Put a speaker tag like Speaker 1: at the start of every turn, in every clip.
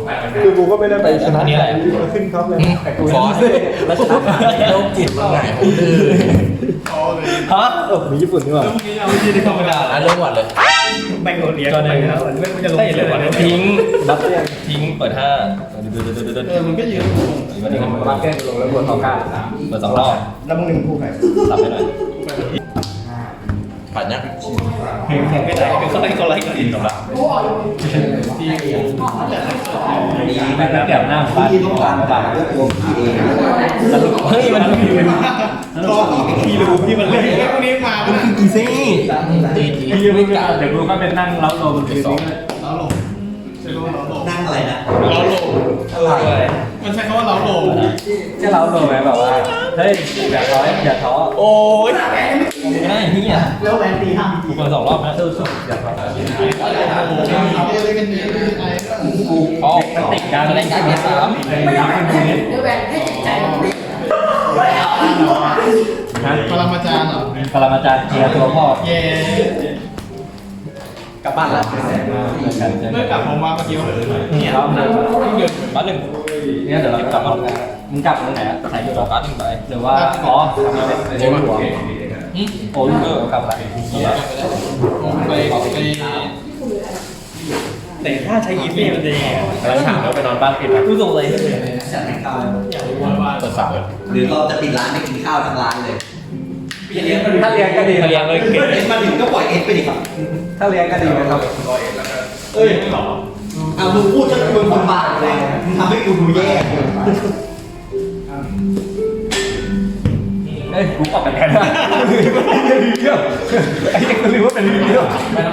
Speaker 1: คือกูก็ไม่ได้ไปชนะใครขึ้นท็อปเลยแต่กู
Speaker 2: ฟอสแล้วชนะโลกจิตมันไงผมดื้อ
Speaker 3: ฮะ
Speaker 1: มีญี่ปุ่นด้วย
Speaker 3: ธรรมดา
Speaker 2: เริ่มหวัดเลย
Speaker 3: แบงโกเลียก็ได้แล้วไม่จะลงเลยทิ้ง
Speaker 1: บัฟเฟียน
Speaker 3: ทิ้งเปิดห้า
Speaker 4: มันก็ยืน
Speaker 3: วันนี้
Speaker 1: บัฟเฟียนลงแล้วบวก9
Speaker 3: เปิดสองรอบ
Speaker 4: แล้วมึงหนึ่งคู่ใคร
Speaker 3: สับไปหน่อย
Speaker 2: ปัดเนี่ย
Speaker 3: แข่งไม่ได้เป็นเขาไล่ก็อินหรอกละแก้วหน้าฟ้าที่ร้านบ้านเฮ้ยมันพี่รู้พี่มันเล่น
Speaker 4: พวกนี้มา
Speaker 3: มันคือกีซี่
Speaker 1: พี่ไม่กล้าเดี๋ยวกูก็เป็นนั่งเล้าโลมันคือ
Speaker 4: เราหลงใช้คำว่าเราหลง
Speaker 2: นั่งอะไรนะ
Speaker 4: เราหลงมันใช้คำว่าเราหลง
Speaker 1: จะเล้าโลไหมแบบว่าเฮ้ยอย่าท้ออย่าท้อ
Speaker 3: โอ้ยไม่ได้เฮีย
Speaker 4: แล้วแวนตีห้าม
Speaker 3: กูเปิดสองรอบนะ
Speaker 1: อย่าท้อ
Speaker 4: อะไรกันเนี่ยไอ้
Speaker 3: ออกมันติดการเล่นการเบส3
Speaker 4: พลังมาจารย์เหรอ
Speaker 1: ปรมาจารย์เคลียร์ตัวพ่อ
Speaker 4: เย่
Speaker 2: กลับบ้านละ
Speaker 4: เมื่อกลับผมมาเมื่อกี้ว่า
Speaker 1: เนี่ยรอบนึง
Speaker 3: บ้านหนึ่ง
Speaker 1: เนี่ยเดี๋ยวเรากลับมามึงกลับตรงไหนใส่
Speaker 3: ต่อการ์ดหนึ่งใบ
Speaker 1: หรือว่าอ๋อทำมาเป็นหัวโอ้ลูกกลับไป
Speaker 4: ไป
Speaker 3: แต่ถ้าใช้ยีฟี่มันจะยังไง
Speaker 1: กำลังถามว่าไปนอนบ้านปิดไหม
Speaker 3: รู้สึกเลย
Speaker 2: เปิดฝาหรือเราจะปิดร้านไปกินข้าวทั้งร้านเลย
Speaker 1: ถ้าเรียนก็ดี
Speaker 3: เรียงเลยเก็บ
Speaker 2: เอ็นมาถึงก็ปล่อยเอ็นไปดิครับ
Speaker 1: ถ้าเรียนก็ดีนะครับ
Speaker 2: เอ้ยเอามึงพูดจนมึงคนบาปเลยมึงทำให้กูดูแย่
Speaker 1: เอ้ยกูกลับไปแทนนะรีวิวไอ้เด็กก็รู้ว่าเป็นรีวิว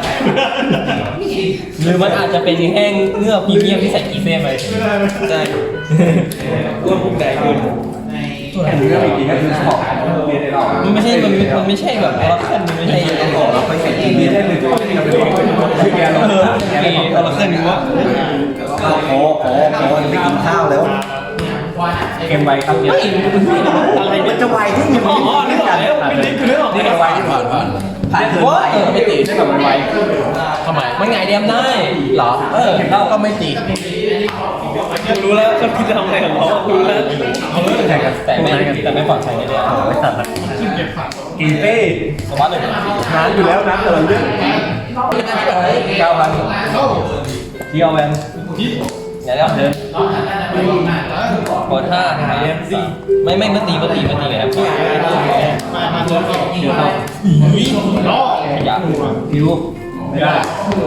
Speaker 3: หรือมันอาจจะเป็นแห้งเนื้อพรีเมียมที่ใส่กีเซ่ไปใช่อ้วนพุ่งใหญ่ขึ้น
Speaker 1: แค่นี้ก็ไม่ดีก็คือสมองเรียนได้หรอ
Speaker 3: มันไม่ใช่มันไม่ใช่แบบออร์เคิลมันไม่ใช่
Speaker 2: เราไปใส่กิน
Speaker 1: เรียนได้หนึ่งตัวที่เราเป็นคือแกเรา
Speaker 3: ออร์เคิลวะ
Speaker 2: โอ้ไปกินข้าวแล้ว
Speaker 1: เกมไวครับเนี่ย
Speaker 3: อะไร
Speaker 2: มั
Speaker 3: เนี่
Speaker 2: น
Speaker 3: ย
Speaker 2: จะไวที่ยัง
Speaker 3: อ๋อนึกออกแล้วนี่คือนึกออก
Speaker 2: นี่ไวที่ผ่านผ่านเกิน
Speaker 3: ว่า
Speaker 2: ไป
Speaker 3: ไม่ตี
Speaker 1: ได้แบบไว
Speaker 2: ทำไม
Speaker 3: มันไงเดียมได้
Speaker 2: เหรอเราก็ไม่ตี
Speaker 3: รู้แล้วเขาคิดจะทำอะไรของเขารู้แล้ว
Speaker 1: แข่งกัน
Speaker 3: แต่ไม่ปลอดภัยแน่
Speaker 1: ไม่ตัดนะ
Speaker 4: เก็บผัก
Speaker 1: กีเป้
Speaker 3: ๆสวัสดี
Speaker 1: นานอยู่แล้วนะแต่เราเยอะ9,000ที่เอาแวน
Speaker 3: เดี๋ยวเดินกด5ไงไม่มาตีไงครับ
Speaker 4: มาจนก็
Speaker 1: เดี๋ยวเรา
Speaker 4: ล้อ
Speaker 3: อยาก
Speaker 1: พิวไม่ได้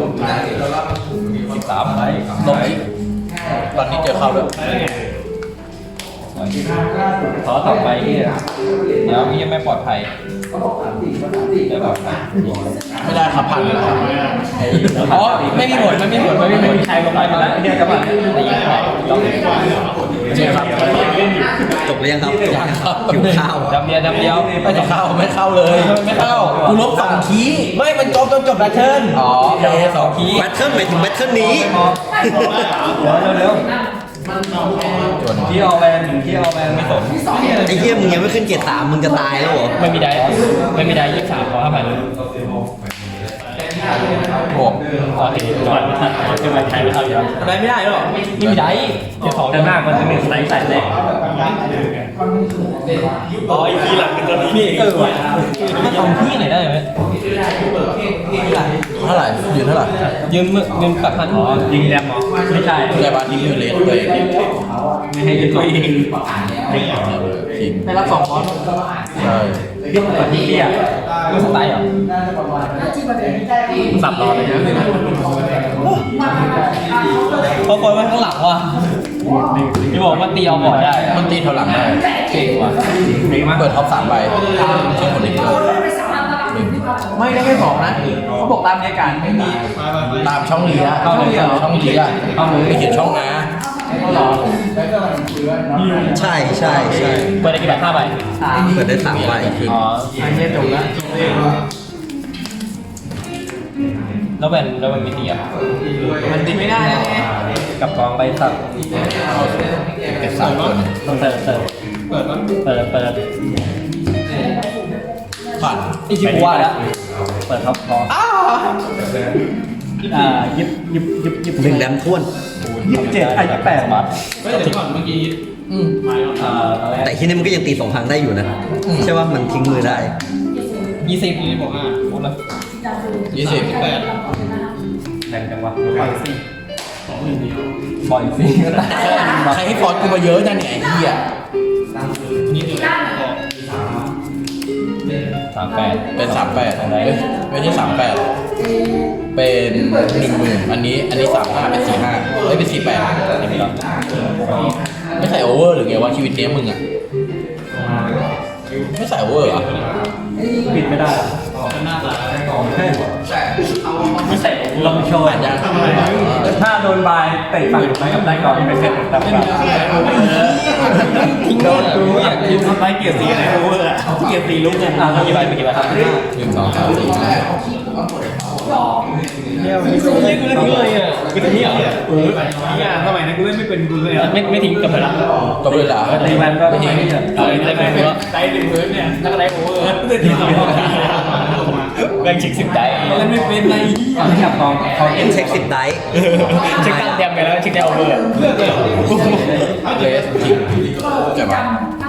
Speaker 3: 13ไป
Speaker 2: ลงอีกตอนนี้เจอเข้าแล้ว
Speaker 1: ขอต่อไปที่
Speaker 3: เดี๋ยวมีไม่ปลอดภัยไม่ปลอดภัย
Speaker 2: ไม่ได้ครับผ่านแล้ว
Speaker 3: อ๋อไม่มีผลไม่มีใครลงไปมาแล้ว
Speaker 1: เนี่ยกลับมา
Speaker 3: ตียังไง
Speaker 2: เจอครับจบหรือยังครับยังครับหิวข้าว
Speaker 3: ดำเดียว
Speaker 2: ไม่จะเข้าไม่เข้าเลย
Speaker 3: ไม่เข้า
Speaker 2: กูลบ2คีย์
Speaker 3: ไม่มันจบแบทเทิล
Speaker 2: อ๋อ
Speaker 3: สองคีย์
Speaker 2: แบทเทิลหมายถึงแบทเทิลนี้
Speaker 1: เร็วที่เอาแวนที่เอาแวนไม่สน
Speaker 2: ไอ้เหี้ยมึงยังไม่ขึ้นเกียร์3มึงจะตายแล้วเหรอ
Speaker 3: ไม่มีได้23ขอ5,000
Speaker 2: โอ้
Speaker 3: โอเคจอดไม่ทันคือมันใช้ไม่ทันแล้วอะไรไม่ได้หรอไม่มีได้เดี๋ยวสอง
Speaker 1: แต่หน้ามันจะมีสไลด์ใส่แรก
Speaker 3: อ๋ออีพีหลังเป็นตัวนี้นี่ว่ะถ้าทำพี่ไหนได้ไหม
Speaker 2: เท่าไหร่ยืนเท่าไหร่
Speaker 3: ยืมเงิน8,000
Speaker 1: อ๋อยิงแรมเหรอไม่ใช่
Speaker 2: แต่บ้านนี้อยู่เลนตัวเอง
Speaker 1: ไม่ให้ยิงตัวเอง
Speaker 2: ทีม
Speaker 3: ได้รับ2คอร์ส
Speaker 2: ใช่
Speaker 1: เรื่องแบบนี้อ่ะ
Speaker 3: ไม่สไตล์เหรอ
Speaker 1: สับรอเลยนะ
Speaker 3: เพราะคนมันข้างหลังว่ะที่บอกว่าตีเอาบอร์ดได้
Speaker 2: มันตีเท่าหลังได้
Speaker 3: เก่งว่ะ
Speaker 2: เปิดท็อป3ใบเช็คคนอีกเลย
Speaker 3: ไม่ได้แค่2นะเขาบอกตามรายการไม่มี
Speaker 2: ตามช่องลีอะ
Speaker 3: ช่องลีเหรอ
Speaker 2: ช่องลีอะไม่เขียนช่องนะ
Speaker 3: เขาหรอ
Speaker 2: ใช่ใช่
Speaker 3: เปิดได้กี่ใบ5ใบ
Speaker 2: เปิดได้3ใบคือ
Speaker 3: อ๋ออันนี้จบแล้วแล้วมันไม่ตีอ่ะมันตีไม่ได้นะ
Speaker 1: กับกองใบสับ
Speaker 2: เก็บ3คน
Speaker 1: ต้องเติม
Speaker 4: เปิดมั้ย
Speaker 1: เปิด
Speaker 2: ผ่าน
Speaker 3: นี่คิดว่าแล้ว
Speaker 1: เปิดท็อปคอยิบ
Speaker 2: 1แดมท้วน
Speaker 1: 27ไอ้28มา
Speaker 4: เฮ้ยเดี๋ยวก่อนเมื่อกี้มาแล้ว
Speaker 2: แต่ที่นี่มันก็ยังตี2 ครั้งได้อยู่นะใช่ว่ามันทิ้งมือได้
Speaker 4: 20นี่บอกว่าพูดละ
Speaker 3: 20
Speaker 4: 8
Speaker 1: แรงจังวะปล่อยสิ
Speaker 4: 20เดียว
Speaker 1: ปล่อยสิ
Speaker 3: ใครให้ฟอร์ดกูมาเยอะจังเนี่ยไอ้เหี้ย
Speaker 4: นี่เดี๋ยวบอก
Speaker 3: 38เป็น38ไม่ใช่38เป็น10,000อันนี้35เป็น45ไม่เป็น48ไม่ใส่โอเวอร์หรือไงวะชีวิตเนี้ยมึงอ่ะไม่ใส่โอเวอร์เหรอ
Speaker 1: ปิดไม่ได้
Speaker 4: หน้าตา
Speaker 1: ไม่ใส่ลองโชว์
Speaker 3: อ่านยัง
Speaker 1: ถ้าโดนบายเตะฝั่งไหนกับได้ก่อนเป็นเซตตับกันโดนกูอยากกินสไปเกียร์สีไหนกูอ่ะเกียร์สีลุกเนี่ยอ่ะกี่ใบครับ
Speaker 3: 1 2 3 4
Speaker 1: เนี่ยมันไม่ใช่กูเล่นทิ้งเลยอ่ะกูจะนี่เหรอเนี่ยสมัยนั้นกูเล่นไม่เป็นกูเลยไม่ทิ้งกับไปละ
Speaker 3: จบเลยเหรอ
Speaker 1: ตีมันก็ไม่ทิ้งได้ไหมได้หนึ่งพื้นเนี่ยถ้าได้โอเวอร์ได้ทิ้งสองแบ่งชิก10ได้เล่นไม่เป็นไรจับกองเขา
Speaker 2: เอ็นเช็ค10 ได้
Speaker 1: เช็คตั้งเต็มไปแล้วเช็คได้โอเวอร์
Speaker 3: เลสทิ้งจะมา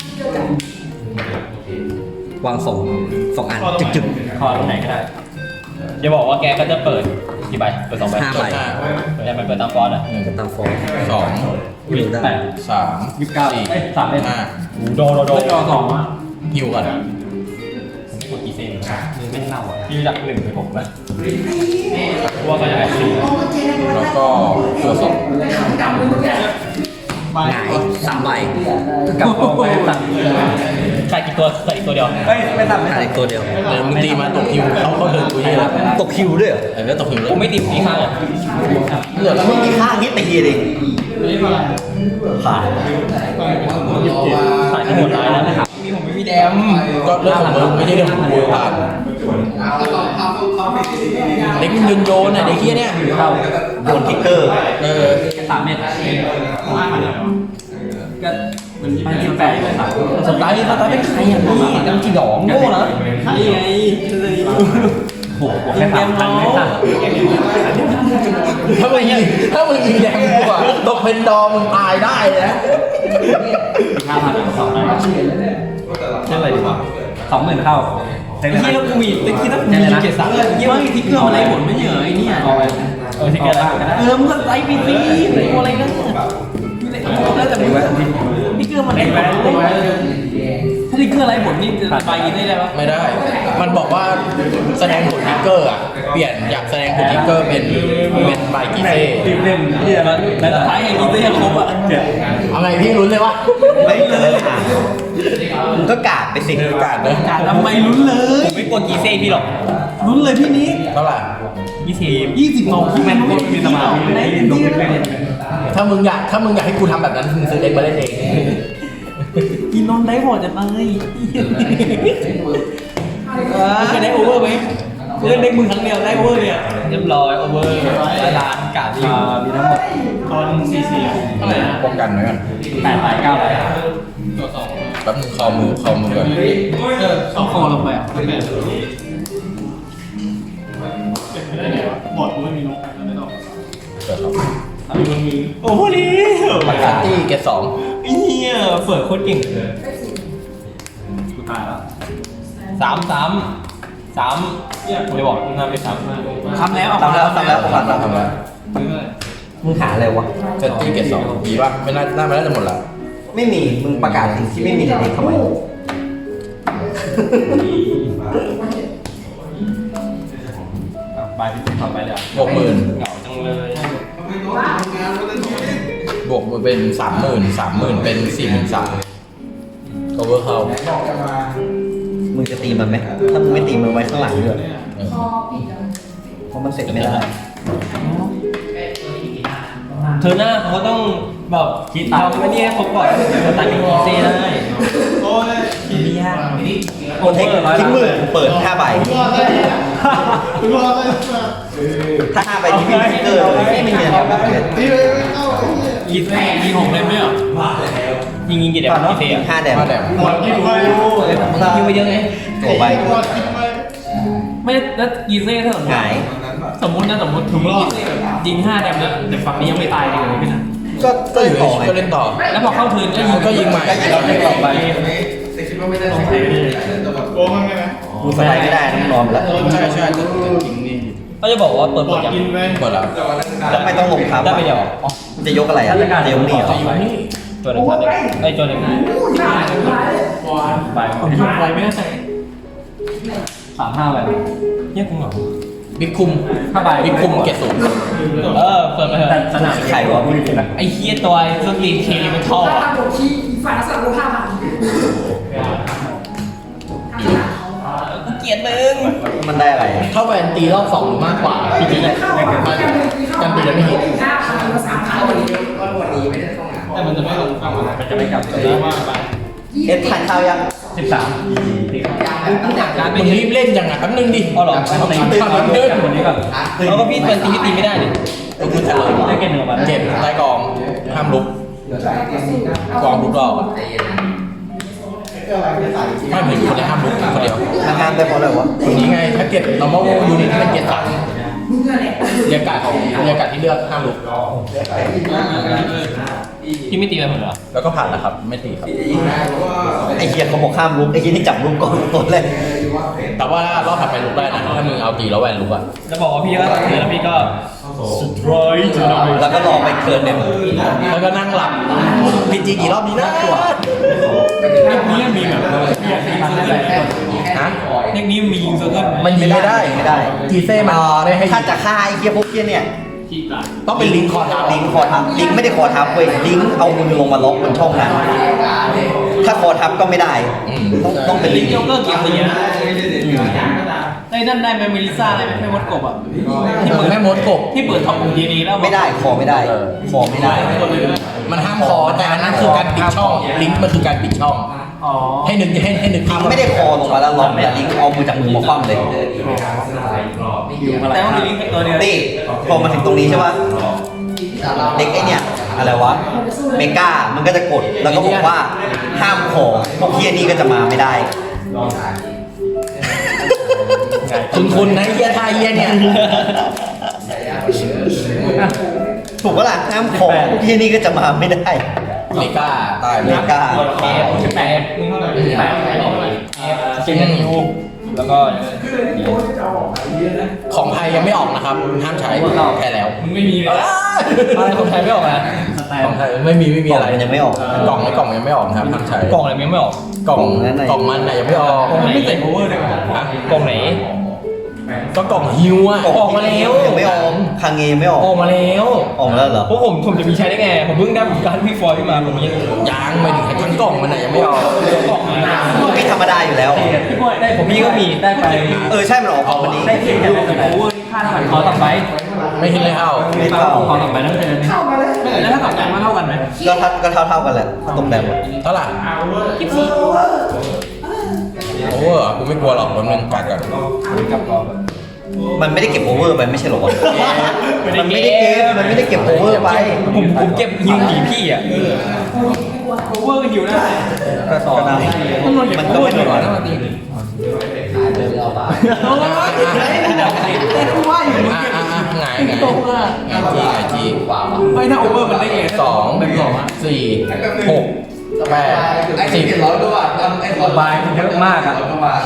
Speaker 2: วาง2 อันจึก
Speaker 1: ขอตรงไหนก็ได้อย่าบอกว่าแกก็จะเปิดกี่ใบเปิด2ใบ
Speaker 2: 5 ใบ
Speaker 1: เปิดไปเปิดตามฟอนต์อ่ะ
Speaker 2: จะตามฟอร์ม
Speaker 3: 2
Speaker 2: อยู่ได้
Speaker 3: 3
Speaker 1: 29 3เล่น
Speaker 3: 5
Speaker 1: โดจอ2อ่ะ
Speaker 3: ฮิวกัน
Speaker 1: ไม่กดกี่เซนมือไม่เน่าอ่ะพี่จาก1ไป6นะว่าก็จะได้4
Speaker 3: แล้วก็ตัว2
Speaker 2: หงาย3 ใบ
Speaker 1: กับกองไปตัดขาดกี่ตัวขาดอีกตัวเดียวเฮ้ยไม่ตัด
Speaker 2: หายตัวเดียว
Speaker 3: เดี๋ยวมึงตีมาตกฮิวเขาเดินกูเยอะ
Speaker 2: ตกคิวด้วยเหรอ
Speaker 3: แล้วตกฮิวเลย
Speaker 1: ผมไม่ติดที่ข้างอ่ะ
Speaker 3: เหลือ
Speaker 2: แล้วมึงมีข้างนี้ตีเอง
Speaker 4: นี่มา
Speaker 2: ผ่าน
Speaker 1: ขาดที่หมดร้ายแล้วนะครับมีผมไม่มีแดม
Speaker 3: ก็เรื่องของมึงไม่ใช่เรื่องของกูผ่านเด็กยืนโยนอ่ะเด็กเฮียเนี่ย
Speaker 1: เข้า
Speaker 2: โดนทิกเกอร์
Speaker 1: 3 เม็ดก็มัน28เลย3
Speaker 3: สไตล์เป็นใครอ่ะนี่ตั้งจีดองโง่นะ
Speaker 1: นี่ไงเลยโหแค่3,000ไม่ตัด
Speaker 3: ถ้ามึงยิงแดงกูอ่ะตกเป็นดอมึงตายได้นะ
Speaker 1: 5,000 2ได้เท่าไหร่ดีวะ20,000เข้าที่เรามีตะกี้ต้องมีเกียรติศักดิ์ยี่ว่าที่เกลืออะไรหมดไม่เหนื่อยเนี่ยที่เกลืออะไรมึงก็ไลฟ์ไปสิอะไรกันแล้วแต่มึงที่เกลือมันไอ้แบบถ้าที่เกลืออะไรหมดนี่จะไปกินได้ไหม
Speaker 3: ไม่ได้ มันบอกว่าแสดงผลทิกเกอร์อ่ะเปลี่ยนอยากแสดงผลทิกเกอร์เป็นใบกีเซ่
Speaker 1: ทีมหนึ่งที่แล้วสุดท้ายไอ้กีเซ่ครบอ่ะ
Speaker 3: เอาไงพี่ลุ้นเลยวะ
Speaker 2: ไม่เลยมึงก็กาดไปสิ
Speaker 3: กาดเลย
Speaker 1: การทำไมลุ้นเลยผมไม่กดกีเซ่พี่หรอกลุ้นเลยพี่นี้
Speaker 3: เท่าไหร่
Speaker 1: 20ของพี่แมนมีสมาธิในที่นั่น
Speaker 3: ถ้ามึงอยากให้กูทำแบบนั้นมึงซื้อเด็กมาเล่นเอง
Speaker 1: กินนมได้หมดจะตายมันจะได้โอเวอร์ไหมเล่นเด็กมือครั้งเดียวได้โอเวอร์เนี่ยเรียบร้อยโอเวอร์ล้านกาดมีทั้งหมด
Speaker 4: ตอน44เท่าไหร่นะ
Speaker 3: ป้องกันไว้กัน
Speaker 1: 8 9
Speaker 4: ตัว2
Speaker 3: แป๊บนึงคอมือก่อน
Speaker 1: ต้องคอลงไปอ่ะ
Speaker 4: เป็นไม่ได้ไงวะบอร์ดกูไม่มีนกไม่ต้อง
Speaker 3: เกิดครับ
Speaker 1: โอ้โหนี่
Speaker 3: บัตรตี้เกต2
Speaker 1: เฮียเฟิร์โคตรเก่งกูตายแล้ว3ผมจะบอกมึงทำไปทำแล้ว
Speaker 2: ทำแล้วผม
Speaker 3: ทำแล้ว
Speaker 2: มึงหาอะไรวะ
Speaker 3: เซตตี้เกต2ดีป่ะไม่น่าจะหมดละ
Speaker 2: ไม่มี มึงประกาศสิ่งที่ไม่มีในนี้ทำไม
Speaker 1: ไปที่ทำไปเลย
Speaker 3: บวกหมื่น
Speaker 1: เหงาจังเลย
Speaker 3: บวกเป็น30,000เป็น43,000 cover เข้า
Speaker 2: มึงจะตีมันไหมถ้ามึงไม่ตีมันไว้ข้างหลังด้วยเพราะมันเสร็จไม่ได้
Speaker 1: เธอหน้าเขาต้องแบบคิดทำไอ้นี่ให้ครบก่อนจะตัดเป็นกีเซ่ได้
Speaker 4: โอ้ย
Speaker 1: ไม่ยาก
Speaker 2: โอเทคทิ้งมือเปิด5 ใบ
Speaker 4: คุณพ่อเลย
Speaker 2: ถ้า5 ใบที่มีทิกเกอร์เลยไม่มีอะไรแบบนี้
Speaker 4: ตีไปไม่เข้าไอ้เหี้ย
Speaker 1: ยิงไม่ยิง6 เล่มไม่เหรอยิงกี่เดี๋ยวกีเซ่อะ
Speaker 2: 5 แดม
Speaker 3: มาแดม
Speaker 4: บอร์ดที่ดู
Speaker 1: ยิงไปเยอะไง
Speaker 2: ตัวใบ
Speaker 4: บอร์ดคิดไป
Speaker 1: ไม่แล้วกีเซ่ถ้าสมม
Speaker 2: ห
Speaker 1: ติ
Speaker 2: งาย
Speaker 1: สมมตินะสมมติถึงรอบยิง5 แดมแล้วแต่ฝั่งนี้ยังไม่ตายเลยพี่นะ
Speaker 3: ก็อยู่ก็เล่นต่อ
Speaker 1: แล้วพอเข้าทืนก็ยิง
Speaker 3: ก็ยิงใหม่
Speaker 1: เราเล่นต่อไป
Speaker 4: โกงมันไงนะ
Speaker 2: กูสบายไม่ได้ต้องนอนแล้ว
Speaker 3: ใช่แต่จริงนี่
Speaker 1: ก็จะบอกว่าเปิด
Speaker 4: บ
Speaker 1: หม
Speaker 4: อ
Speaker 1: ด
Speaker 4: ด
Speaker 1: ยัง
Speaker 4: กินไป
Speaker 3: หมดแล้ว
Speaker 2: แล้วไม่ต้องลงทับ
Speaker 1: ได้ไปเดียวอ๋อ
Speaker 2: จะยกอะไรอ่ะจะยกนี่เหรอ
Speaker 3: จะอยู่นี่
Speaker 1: ตัวหนึ่งไอ้ตัวหนึ่งไปไปไม่ได้ใส่35ไปเนี่ยกูเหงา
Speaker 3: บิ๊กคุม
Speaker 1: 5ใบ
Speaker 3: บิ๊กคุมเกตสูง
Speaker 1: เปิดไปเถอะสนาม
Speaker 2: ไข่วะมึง
Speaker 1: ไอ้เฮียตัวสตีนเคลีมันท่อ
Speaker 5: 他有踢一反上过他嘛？
Speaker 1: กูเกลียดมึง
Speaker 2: มันได้อะไร
Speaker 3: ถ้าแวนตีรอบ2หรือมากกว่าจริงๆเนี่ยกันตีแล้วไม่ฮิต
Speaker 5: 他跑了3场，
Speaker 4: แต่มันจะไม่ลงกลับมา
Speaker 1: มันจะไม่กลับ
Speaker 4: ว่าไป
Speaker 2: เอ็ดทานข้าวยัง
Speaker 1: 13การ
Speaker 3: มึงรีบเล่นจังอ่ะแป๊บนึงดิ
Speaker 1: อ๋อหรอตีคนนี้ก่อนแล้วก็พี่เป็นตีไม่ได้ดิ
Speaker 3: ก็คือจะเลย
Speaker 1: ได้เกณฑ์หนึ่งมา
Speaker 3: เก็บใต้กองห้ามลุกกองลุกรอบอ่ะไม่เหมือนคนที่ห้ามลุกคนเดียว
Speaker 2: ทำงานไปเพราะอะไรวะ
Speaker 3: คนนี้ไงถ้าเก็บ normal unit ที่เป็นเก็บ3เรียกการของเรียกการที่เลือกห้ามลุก
Speaker 1: พี่ไม่ตีอะไรผมเหรอ
Speaker 3: แล้วก็ผ่านนะครับไม่ตีครับ
Speaker 2: ไอ้เหี้ยเขาบอกข้ามลุกไอ้เหี้ยนี่จับลุกก่อนตัวแรก
Speaker 3: แต่ว่ารอบถัดไปลุกได้นะถ้ามึงเอาตีแล้วแวนลุกอ่ะ
Speaker 1: จะบอกว่าพี่ก็ตีแล้วพี่ก็
Speaker 2: แล้วก็รอไปเกินเนี่ย
Speaker 3: แล้วก็นั่งหลับพีจีกี่รอบดีนะ
Speaker 1: นี่มีแบบฮะเทคนี้มียิงเซอร์เคิล
Speaker 3: มันยิงไม่ได้
Speaker 2: ไม่ได้
Speaker 3: จีเซ่มันไม่ให้
Speaker 2: ถ้าจะฆ่าไอ้เหี้ยพวกเหี้ยเนี่ย
Speaker 3: ต้องเป็นลิงคอร์ด
Speaker 2: ลิงคอทับลิงไม่ได้คอทับเว้ยลิงเอามือลงมาล็อกบนช่องนั้นถ้าคอทับก็ไม่ได้ต้องเป็นลิง
Speaker 1: โจ๊กเกอร์เกียร์ตีนะได้นั่นได้ไหมเมลิซ่าได้ไหมไม่มดกบอ่ะ
Speaker 3: ที่มึงแม่มดกบ
Speaker 1: ที่เปิดท็อปของดีนี้แล้ว
Speaker 2: ไม่ได้คอไม่ได้คอไม่ได้
Speaker 3: มันห้ามคอแต่อันนั้นคือการปิดช่องลิงก์มันคือการปิดช่อง
Speaker 1: อ๋อ
Speaker 3: ให้นึกภาพ
Speaker 2: ไม่ได้คอลงมาแล้วล็อกแต่ลิงเอามือจากมือมาคว่ำเลย
Speaker 1: แต่ว่ามีลิงก์ตัวเดียว
Speaker 2: นี่พอมาถึงตรงนี้ใช่ปะเด็กไอเนี่ยอะไรวะเมกามันก็จะกดแล้วก็บอกว่าห้ามคอพวกเฮียนี่ก็จะมาไม่ได้
Speaker 3: คุณนะเฮียทายเฮียเนี่ย
Speaker 2: ถูกปะล่ะห้ามคอพวกเฮียนี่ก็จะมาไม่ได้
Speaker 3: เมกาตาย
Speaker 2: เมกา
Speaker 1: แปดเจนยูแล้วก็
Speaker 3: ของไทยยังไม่ออกนะครับห้ามใช้แพ้แล้ว
Speaker 1: มึงไม่มีเลยอะไรของไทยไม่ออกนะ
Speaker 3: ของไทยไม่มีอะไร
Speaker 2: มันยังไม่ออก
Speaker 3: กล่องในกล่องยังไม่ออกนะครับห้ามใช้
Speaker 1: กล่องอะไรยังไม่ออก
Speaker 3: กล่องมันน่ะยังไม่ออก
Speaker 1: กล่องไม่ใส่โอเวอร์เลยกล่องไหน
Speaker 3: ก็กล่องฮิวอ่ะ
Speaker 1: ออกมาแล้ว
Speaker 2: ยังไม่ออกคางเงไม่ออก
Speaker 1: ออกมาแล้ว
Speaker 2: ออกมาแล้วเหรอ
Speaker 1: พวกผมจะมีใช้ได้ไงผมเพิ่งได้การพี่ฟอยขึ้นมาผมยัง
Speaker 3: ไม่ถึงทั้งกล่องมันน่ะยังไม่ออก
Speaker 1: กล่อง
Speaker 2: พี่ธรรมดาอยู่แล้ว
Speaker 1: ได้ผมมีก็มีได้ไป
Speaker 2: ใช่มันออกวันนี้
Speaker 1: ได้เพียงแต่โอเวอร์ค่าเท่าไหร่ขอต่อไป
Speaker 3: ไม่ฮิตเลยเอ้า
Speaker 2: ไม่เท่า
Speaker 1: ขอต่อไปนั่นเองแล้วถ้าต่อไปมันเท่ากันไหม
Speaker 2: ก็เท่ากันแหละถ้าตรงแบบหมด
Speaker 3: เท่าไหร่
Speaker 1: 24
Speaker 3: โอ้กูไม่กลัวหรอกมันเป็นกัดกัน
Speaker 2: มันไม่ได้เก็บโอเวอร์ไปไม่ใช่หรอวะมันไม่ได้เก็บมันไม่ได้เก็บโอเวอร์ไป
Speaker 1: ผมเก็บฮิวหนีพี่อ่ะโอเวอร์ฮิวได้
Speaker 2: ก็ต่อได้มันก็ไม่ได้หรอก
Speaker 3: ไงจี
Speaker 1: ไม่ถ้าโอเวอร์มันได้เอง
Speaker 3: 2 4 6 8 10
Speaker 1: บายมันเยอะมากอ่ะ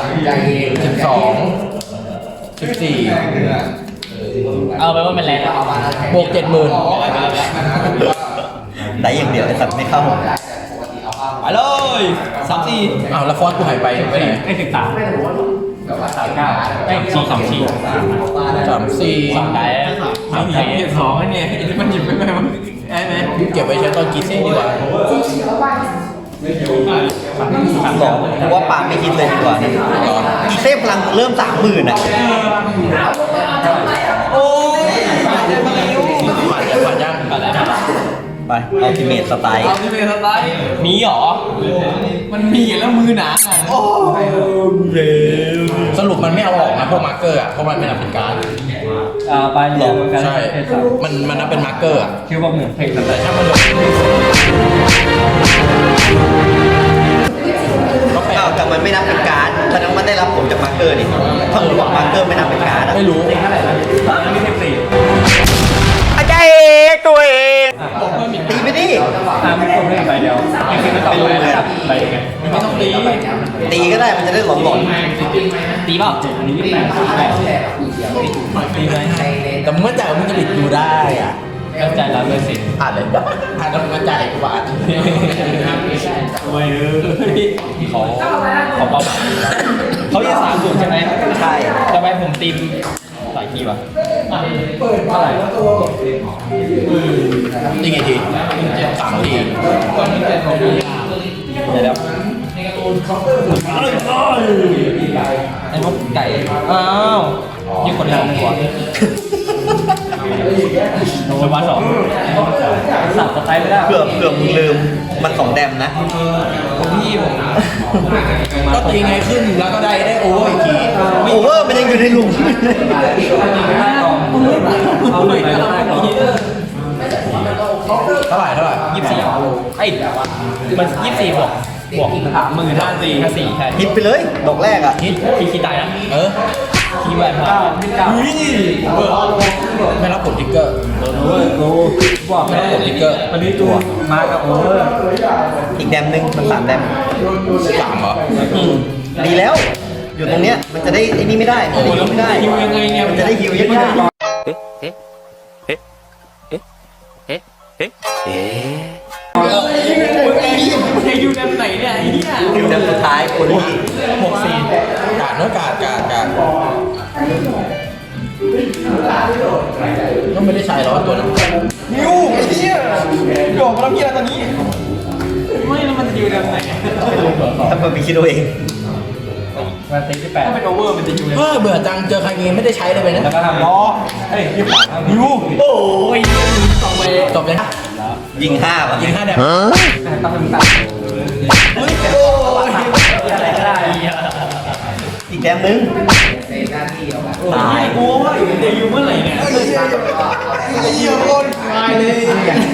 Speaker 3: 12 14
Speaker 1: เอาไปว่ามันแรงแล้ว
Speaker 3: บวก 70,000
Speaker 2: ได้อย่างเดียวไอ้สัตว์ไม่เข้า
Speaker 1: ไปเลย34
Speaker 3: อ้าวแล้วฟอนต์กูหายไปไหน
Speaker 1: ไอ้39ไอ้24
Speaker 3: 34
Speaker 1: ได้2ไอ้เนี่ยมันหยิบไปไหมมันได้ไหม
Speaker 3: เก็บไว้ใช้ตอนกีเซ่ดีกว่า
Speaker 2: สองเพราะว่าปาไม่คิดเลยดีกว่าอีเซ่พลังเริ่ม30,000อ่ะ
Speaker 1: โอ้ย
Speaker 3: ผ่านยัง
Speaker 2: ไปอัลติเมทสไตล์
Speaker 1: เอาที่เป็นสไตล์มีเหรอ มันมีแล้วมือหนาโอ้
Speaker 3: สรุปมันไม่เอาออกนะพวกมาร์เกอร์อ่ะเพราะมันไม่นับเป็นการ์ด
Speaker 1: ไปหลอกกัน
Speaker 3: ใช่มันนับเป็นมาร์เกอร์อ่ะ
Speaker 1: คิวบอกหนึ่งเพลงสไต
Speaker 3: แต่
Speaker 1: ล์
Speaker 3: ถ้ามันเหลือก็แปล
Speaker 2: แต่มันไม่นับเป็นการ์ดฉะนั้นมันได้รับผลจากมาร์เกอร์ดิถ้ามึงบอกมาร์เกอร์ไม่นับเป็นการ์ดอะ
Speaker 3: ไม่รู้
Speaker 1: เท่าไหร่นะไม่เทปสี่
Speaker 2: อาจารย์ตัวเอง
Speaker 1: บอกเพิ่มอีก
Speaker 2: ตีไม่
Speaker 1: ไม่ครบได้ใบเดียวไม่คือไม่ต่อใบไงไม่ต้องตี
Speaker 2: ตีก็ได้มันจะได้หลอน
Speaker 1: ตีเปล่าอันนี้28ตีไหม
Speaker 3: แต่มึงมั่นใจว่ามึงจะบิดดูได้อ่ะ
Speaker 1: เข้าใจแล้วเลยสิ
Speaker 3: อ่านเลยอ่านแล้วมึงมั่นใจกูบาท
Speaker 1: โอ้ยเขาเป้าหมายเขาจะ30ใช่ไหม
Speaker 2: ๆใช่
Speaker 1: ทำไมผมตีมหลายทีวะเท่าไหร่
Speaker 3: นี่กี่ที3 ที
Speaker 1: เดี๋ยวไอ้นกไก่อ้าวยี่คนทำหัวสวัสดิ์สับสไตล์ไม่ได้
Speaker 2: เผื่อมึงลืมมัน2 แดมนะ
Speaker 1: พี่ผม
Speaker 3: ก็ตีไงขึ้นแล้วก็ได้โอเวอร์อีกที
Speaker 2: โอเวอร์มันยังอยู่ในหลุม
Speaker 1: เอาเลยไปได้ก่อน
Speaker 3: เท่าไหร่
Speaker 1: 24ไอ้มัน24บวก14,454ใช่
Speaker 2: ฮิตไปเลยดอกแรกอ่ะ
Speaker 1: คีตายนะ คีแหวน9
Speaker 3: ไม่รับผลทิกเกอร์
Speaker 1: กูบอกไม่ได้วันนี้ตัวมากับโอเวอร์
Speaker 2: อีกแดมหนึ่งมัน3 แดม
Speaker 3: 3เหรอ
Speaker 2: ดีแล้ว อยู่ตรงเนี้ยมันจะได้ไอ้นี่ไม่ได้มันจะได้ฮิวไม่ได้
Speaker 1: ฮิวยังไงเนี่ย
Speaker 2: มันจะได้ฮิวยาก
Speaker 1: จะอยู่แบบไหนเนี่ยไอ้เหี้ย
Speaker 2: ๆฮิวแดมสุดท้ายคนที่
Speaker 1: 64
Speaker 3: กาดเนื้อกาดก็ไม่ได้ใช้แล้วตัวนั้น
Speaker 1: นิวไอ้เหี้ยโดดมาแล้วเหี้ยตอนนี้ไม่แล้วมันจะอยู่แบบไหน
Speaker 2: ถ้ามันไปคิดเอาเอง
Speaker 1: มันตีที่8ถ้าเป็นโอเวอร์มันจะอยู่
Speaker 3: เบื่อจังเจอใครเกมไม่ได้ใช้เลยไปนะ
Speaker 1: แล้วก็ทำล้อเฮ้ยยี่สิบนิวโอ้ยสองใบ
Speaker 3: จบเลยนะ
Speaker 2: ยิง5ป่ะ
Speaker 3: ยิง5 แดม
Speaker 1: ต้องเป็นตัดอะไรก็ได้
Speaker 2: อีกแดมหนึ่ง
Speaker 1: ตายกูว่าจะอยู่เมื่อไหร่เนี่ย
Speaker 3: เยี่ยมคนตายเลย